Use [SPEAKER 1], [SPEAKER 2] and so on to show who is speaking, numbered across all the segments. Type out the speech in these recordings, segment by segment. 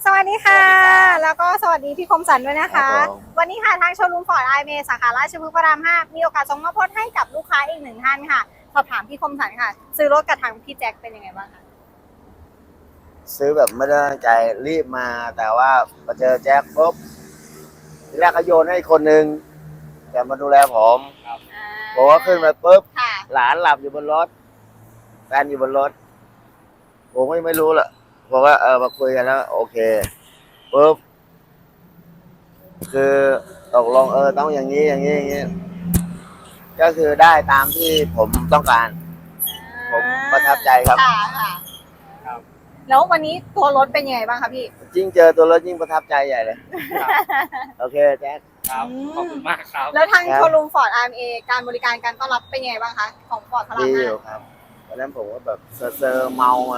[SPEAKER 1] สวัสดีค่ะ แล้วก็สวัสดีพี่คมสันด้วยนะคะ
[SPEAKER 2] ครับผม
[SPEAKER 1] วันนี้ค่ะทางโชว์รูมฟอร์ดไอเมสาขาราชพฤกษ์พระราม 5 มีโอกาสส่งมอบรถให้กับลูกค้าอีกหนึ่งท่านค่ะ สอบถามพี่คมสันค่ะ ซื้อรถกับทางพี่แจ็คเป็นยังไงบ้างคะ
[SPEAKER 2] ซื้อแบบไม่ได้ตั้งใจรีบมาแต่ว่ามาเจอแจ็คปุ๊บทีแรกเขาโยนให้คนหนึ่งแต่มาดูแลผมบอกว่าขึ้นมาปุ๊บ
[SPEAKER 1] ค่ะ
[SPEAKER 2] หลานหลับอยู่บนรถแฟนอยู่บนรถผมก็ไม่รู้ละบอกว่ามาคุยกันแล้วโอเคปุ๊บคือตกลงต้องอย่างนี้อย่างนี้อย่างนี้ก็คือได้ตามที่ผมต้องการ ผมประทับใจครับ
[SPEAKER 1] ค่ะค่ะแล้ววันนี้ตัวรถเป็นยังไงบ้างคะพี่
[SPEAKER 2] ยิ่งเจอตัวรถยิ่งประทับใจใหญ่เลยโอเคแจ็ค
[SPEAKER 3] ครับขอบคุณมากครับ
[SPEAKER 1] แล้วทาง
[SPEAKER 2] ครับ
[SPEAKER 1] โชว์รูมฟอร์ดไอเอการบริการการต้อนรับเป็นยังไงบ้างคะของฟอร์ดพระราม
[SPEAKER 2] ดี
[SPEAKER 1] ห้า
[SPEAKER 2] อยู่ครับวันนั้นผมก็แบบเซอร์เมามา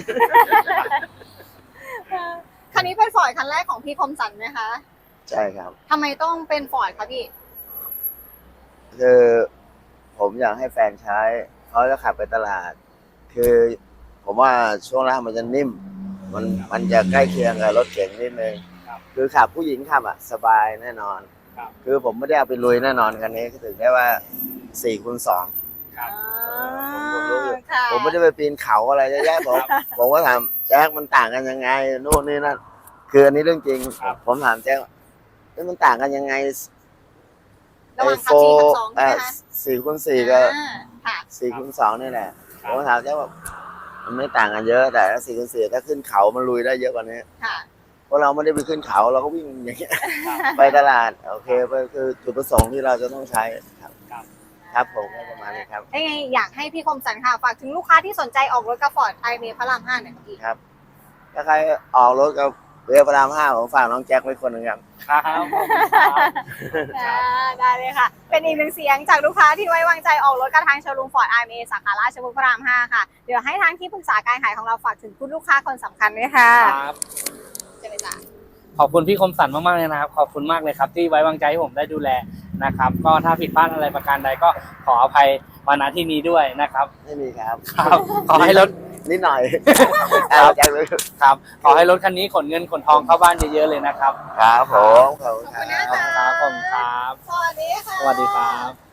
[SPEAKER 1] คันนี้เป็นฟอร์ดคันแรกของพี่คมสันไหมคะ
[SPEAKER 2] ใช่ครับ
[SPEAKER 1] ทำไมต้องเป็นฟอร์ดคะพี่
[SPEAKER 2] คือผมอยากให้แฟนใช้เขาจะขับไปตลาด คือผมว่าช่วงล่างมันจะนิ่ม มันจะใกล้เคียงกับรถเก๋งนิดนึง
[SPEAKER 3] ครับ
[SPEAKER 2] คือขับผู้หญิงขับอ่ะสบายแน่นอน
[SPEAKER 3] ครับ
[SPEAKER 2] คือผมไม่ได้เอาไปลุยแน่นอนคันนี้ถึงได้ว่า4x2
[SPEAKER 3] ครับ
[SPEAKER 2] ผมรู้อยู่
[SPEAKER 1] ค่ะ
[SPEAKER 2] ผมไม่ได้ไปปีนเขาอะไรเยอะแยะผมก็ถามแจ็คมันต่างกันยังไงนู่นนี่นั่นคืออันนี้เรื่องจริง
[SPEAKER 3] ครับ
[SPEAKER 2] ผมถามแจ็คว่ามันต่างกันยังไง
[SPEAKER 1] ระหว่างขับ4 กับ 2ใช่ไหมคะ
[SPEAKER 2] 4x4กับ
[SPEAKER 1] ค่ะ
[SPEAKER 2] 4x2นี่แหละผมก็ถามแจ็คว่ามันไม่ต่างกันเยอะแต่ถ้า4x4ถ้าขึ้นเขามันลุยได้เยอะกว่านี้
[SPEAKER 1] ค่ะ
[SPEAKER 2] เพราะเราไม่ได้ไปขึ้นเขาเราก็วิ่งอย่างเงี้ยไปตลาดโอเคไปคือจุดประสงค์ที่เราจะต้องใช้ครับ
[SPEAKER 3] ครับ
[SPEAKER 2] ครับผมก็ประมาณนี้ครับ
[SPEAKER 1] ยังไงอยากให้พี่คมสันค่ะ ฝากถึงลูกค้าที่สนใจออกรถกับฟอร์ดไอเมพระราม 5หน่อยพี่
[SPEAKER 2] ครับ ถ้าใครออกรถกับเรือพระราม5ผมฝากน้องแจ็คไว้คนหนึ่งครับ
[SPEAKER 3] ครับขอบคุณครับ
[SPEAKER 1] ได้เลยค่ะ เป็นอีกหนึ่งเสียงจากลูกค้าที่ไว้วางใจออกรถกับทางโชว์รูมฟอร์ดไอเมสาขาราชพฤกษ์พระราม 5 ค่ะ เดี๋ยวให้ทางที่ปรึกษาการขายของเราฝากถึงคุณลูกค้าคนสำคัญด้วยค่ะ
[SPEAKER 3] ครับ
[SPEAKER 1] เจริญจ้ะ
[SPEAKER 3] ขอบคุณพี่คมสันมากๆเลยนะครับ ขอบคุณมากเลยครับ ที่ไว้วางใจให้ผมได้ดูแลนะครับ ก็ถ้าผิดพลาดอะไรประการใดก็ขออภัยมาณที่นี้ด้วยนะครับ
[SPEAKER 2] ไม่มีครับ
[SPEAKER 3] ครับ ขอให้รถ
[SPEAKER 2] นิดหน่อย
[SPEAKER 3] ครับ
[SPEAKER 2] แจ็คเลย
[SPEAKER 3] ครับ ขอให้รถคันนี้ขนเงินขนทองเข้าบ้านเยอะๆเลยนะครับ
[SPEAKER 2] ครับผมขอบคุณ
[SPEAKER 1] ขอบ
[SPEAKER 2] ค
[SPEAKER 1] คุณ
[SPEAKER 2] รั
[SPEAKER 1] นะ
[SPEAKER 2] บ
[SPEAKER 1] คะ
[SPEAKER 3] ครับผมครับ
[SPEAKER 1] สวัสดีค่ะ
[SPEAKER 3] สวัสดีครับ